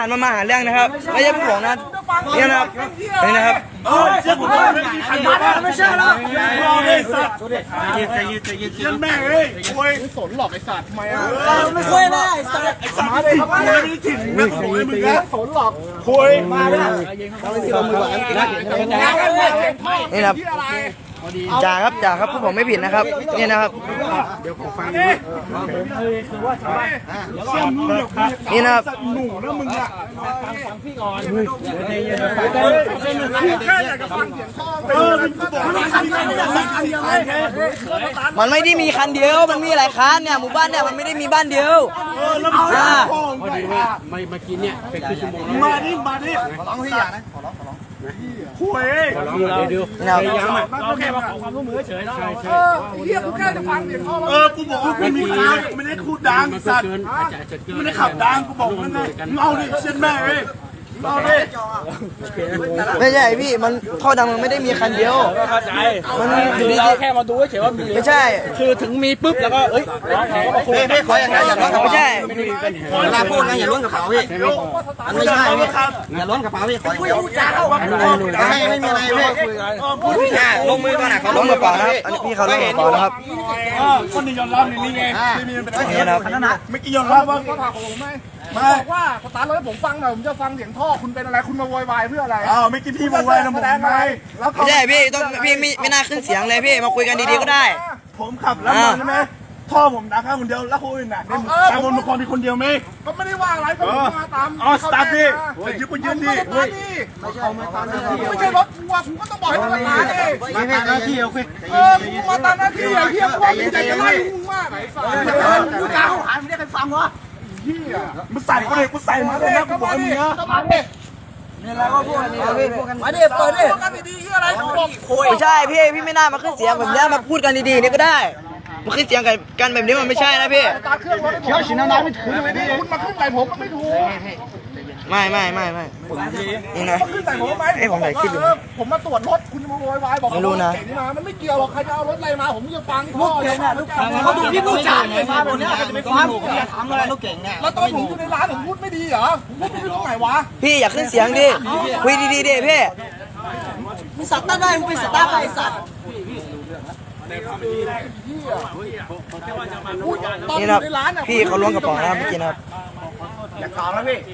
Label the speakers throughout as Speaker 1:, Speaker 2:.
Speaker 1: ารมาหาเรื่องนะครับไม่ใช่ผู้หลงนะนี่นะครับนี่นะครับ
Speaker 2: เชื่อผมว่าไม่มีใครไม่เชื่อแล้วรอเลยสัตว์ใจเย็นแม่เอ้ยคุยสนหลอกไอ้สัตว์ทำไมอ่ะไม่คุยนะไอ้สัตว์มาดิมาดิถึงนะโอ้ยมึงนะสนหลอกคุยมาเลย
Speaker 1: นี่นะครับจ่าครับพวกผมไม่ผิดนะครับนี่นะครับ
Speaker 2: เดี๋ยวผมฟังดูคือว่าชาวบ้าน
Speaker 1: นี่นะครับ
Speaker 2: หนูนะมึงอ่ะฟังพี่ก่อนแค่อยากจะฟังเสียงท่อ
Speaker 1: มันไม่ได้มีคันเดียวมันมีหลายคันเนี่ยหมู่บ้านเนี่ยมันไม่ได้มีบ้านเดียว
Speaker 2: พอดีว่ามากินเนี่ยเป็นครึ่งชั่วโมงมาดิขอร้องพี่อย่านะขอร้องคุยเดี๋ยวเราแค่มาขอความร่วมมือเฉยแล้วเฮียกูแค่จะฟังเสียงท่อกูบอกว่าไม่มีใครไม่ได้คูดดังสัตว์ไม่ได้ขับดังกูบอกนั่นเลยเอาดิเช่นแม่เอ้ย
Speaker 1: ไม่ใช่พี่มันท่อดังมันไม่ได้มีคันเดียว
Speaker 3: เข้าใจมันเราแค่มาดูเฉยว่ามี
Speaker 1: ไม่ใช่
Speaker 3: คือถึงมีปุ๊บแล้วก็
Speaker 1: ไม่ขออย่างไรอย่าล้นไม่ใช่
Speaker 4: เวลาพูดนะอย่าล้นกระเป๋าพี่มันไม่ใช่อย่าล้นกระเป๋าพี่ขออย่างเดียวไม่มีอะไรพี่ลงมือก่อนนะเขา
Speaker 1: ล้มกระเป๋านะครับอันนี้พี่เขาล้มกระเป๋านะครับ
Speaker 2: คนนี้ยอมรับนี่ไงไม่กี่ยอมรับว่าเขาถามผมไหมบอกว่าสตาร์ทรถให้ผมฟังหน่อยผมจะฟังเสียงท่อคุณเป็นอะไรคุณมาโวยวายเพื่ออะไรไม่กี่พี่โวยวายนะผมไง
Speaker 1: ไม่ใช่พี่ต้องพี่ไม่น่าขึ้นเสียงเลยพี่มาคุยกันดีๆก็ได้
Speaker 2: ผมขับแล้วใช่ไหมท่อผมดังแค่คนเดียวแล้วคนอื่นน่ะตามคนมีคนเดียวไหมก็ไม่ได้ว่าอะไรผมมาตามสตาร์ทพี่ยืนดิไม่ใช่รถทัวร์ผมก็ต้องบอกให้มันมาดิไม่ใช่หน้าที่โอเคมึงมาตามหน้าที่ไอ้เหี้ยพวกมึงจะไล่มึงมากไหนมึงกล้าเข้าหามึงได้กันฟังวะเหี้ยมึงใส่ก็เลยกูใส่มาเลยก็บอกมึงนะนี่แล้วก็พูดกันมาดิเปิดดิพูดกันดีๆเหี้ยอะไร
Speaker 1: ไม่ใช่พี่ไม่น่ามาขึ้นเสียงแบบนี้มาพูดกันดีๆนี่ก็ได้มาขึ้นเสียงกันแบบนี้มันไม่ใช่นะพี่
Speaker 2: ตาเครื่องรถเขียวฉีดน้ำไม่ถึงเลยดิคุณมาขึ้นใส่ผมมันไม่ถูก
Speaker 1: ไม่นี่นะ
Speaker 2: ขึ้นใส่ผมไหม
Speaker 1: ผมถ่ายคลิปอยู่
Speaker 2: ผมมาตรวจรถคุณมาโวยวายบอก
Speaker 1: ไม่รู้นะ
Speaker 2: มันไม่เกี่ยวหรอกใครจะเอารถอะไรมาผมจะฟังพ่อเลยนะเขาดูที่ผู้จ่ายมาบนนี้จะไม่ฟัง
Speaker 4: ทำอะไรลูกเก่งเนี่ย
Speaker 2: แล้วตอนผมอยู่ในร้านผมพูดไม่ดีเหรอผมพูดไม่ดีตรงไหนวะ
Speaker 1: พี่อยากขึ้นเสียงดิคุยดีๆดิพี่
Speaker 4: มึงสัตว์ตั้งได้มึงเป็นสัตว์ตั้งไอ้สัตว์
Speaker 1: นี่นะพี่เขาล้วงกระเป๋านะเมื่อกี้นะครับ
Speaker 2: อยากถามแล้วพี่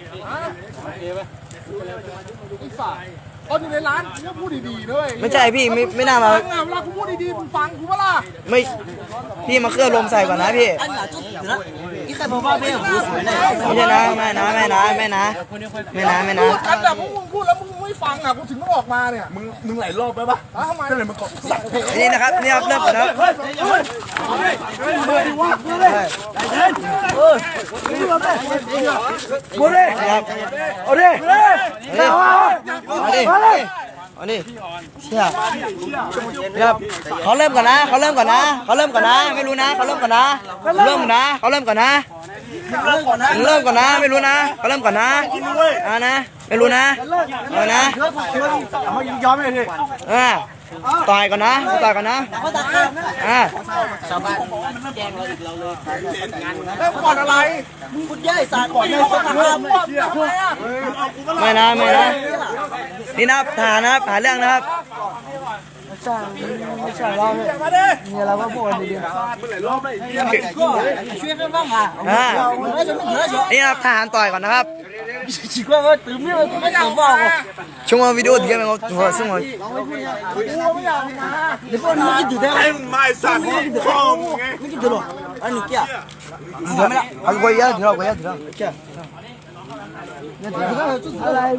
Speaker 2: ตอนอยู่ในร้านกูพูดดีๆด้วย
Speaker 1: ไม่ใช่พี่ไม่น่ามา
Speaker 2: เวลากูพูดดีๆมึงฟังกูปะล่ะ
Speaker 1: ไม่พี่มาเคลื่อนลมใส่ก่อนนะพี่
Speaker 4: นี่ใครบอกว่าไม่หูสวยเลย
Speaker 1: ไม่ใช่นะไม่นะ
Speaker 2: พูดกันแต่มึงพูดแล้วมึงไม่ฟังอ่ะกูถึงต้องออกมาเนี่ยมึงหลายรอบไปปะทำไมก็เลยมึงกดสั่ง
Speaker 1: นี่นะครับนี่ครับเริ่มก่อนนะเอาดิเชี่ยครับเขาเริ่มก่อนนะไม่รู้นะเขาเริ่มก่อนนะไม่รู้นะเขาเริ่มก่อนนะไม่รู้นะไม่รู้นะเอานะ
Speaker 2: ยอมเลยพี่
Speaker 1: ต่อยก่อนนะ
Speaker 2: แล้วก่อนอะไร
Speaker 4: มึงพูดแย่สารก่อนเลย
Speaker 1: ไม่นะนี่นะฐานนะครับหาเรื่องนะครับไม่ใช่เราเนี่ยเราก็พูดกันดี
Speaker 4: ช่วยกันบ้างอ่ะ
Speaker 1: นี่นะครับทหารต่อยก่อนนะครับ
Speaker 4: chỉ qua cái tứ miếng tôi mới vào rồi
Speaker 1: chúng ta video thì em có vừa xong rồi
Speaker 4: để con nó cái gì thế
Speaker 2: em mai sản đi không
Speaker 4: cái gì rồi anh kia
Speaker 1: rồi mới anh quay ra thì đâu kia
Speaker 4: chút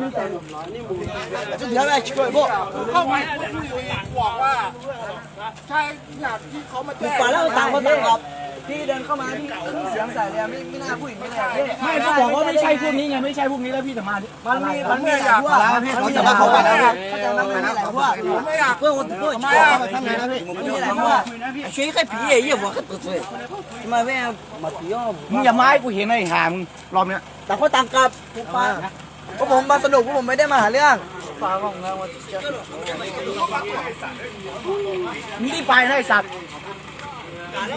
Speaker 4: thứ này chỉ có bộ
Speaker 2: เข้าไปบอกว่าใช่อย่างที่เขามาแจ้ง
Speaker 4: ป่าแล้วต่างคนต่างหรอก
Speaker 1: พี่เดินเข้ามาพี่ขึ้นเสียงใส่เลยไม่น่าพูดอย่างนี้เลย
Speaker 3: ไม่เขาบอกว่าไม่ใช่พวกนี้ไงไม่ใช่พวกนี้แล้วพี่จะมา
Speaker 1: มันมีอยากว่า
Speaker 4: เขาจะมาเขาไปแล้ว
Speaker 2: ไม่อยาก
Speaker 4: เพื่อนคนเพื่อนไม่ทำไงนะพี่ไม่มีอะไรเพราะว่าช่วยแค่ผีเยี่ยมว่าเขาตัวช่วย
Speaker 1: มาแม่มาผีอ้อม
Speaker 3: มึงอย่าไม้กูเห็นไอ้ห่ามึงรอบเนี้ย
Speaker 4: ต่างคนต่างกลับ
Speaker 1: พวกผมมาสนุกพวกผมไม่ได้มาหาเรื่อง
Speaker 3: มึงรีบไปนะไอ้สัตว์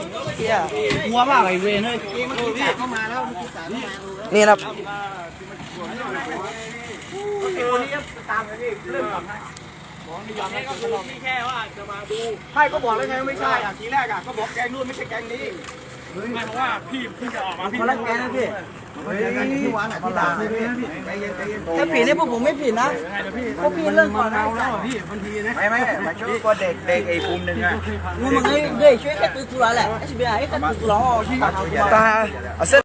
Speaker 3: หัวมากไอ้เวรเฮ้ย
Speaker 1: นี่นะ
Speaker 3: คนนี้ตามเลยพี่เริ่มก่อนนะให้ก็บอกแล้วไงไม่ใช่อ่ะทีแรกอ่ะก็บอกแกงนู่นไม่ใช่แกงนี้
Speaker 2: ไม่เพราะว่าพี่เพิ่งจะออกมาพี่
Speaker 1: คนละแกนะพี่
Speaker 3: ที่วานอ่ะที่ด่าเลยพี่ใจเย็น
Speaker 1: ถ้าผิดนี่พวกผมไม่ผิดนะพวกพี่เรื่องก่อนนะ
Speaker 3: ไม่มาช่วยก็เด็กไอ้ภูมิหนึ่งอ่ะ
Speaker 1: มึงมึงไอ้เด็กช่วยแค่ตื้อกูละแหละไอ้ชิบะไอ้แค่ตื้อกูละอ๋อที่
Speaker 3: ตาเส้น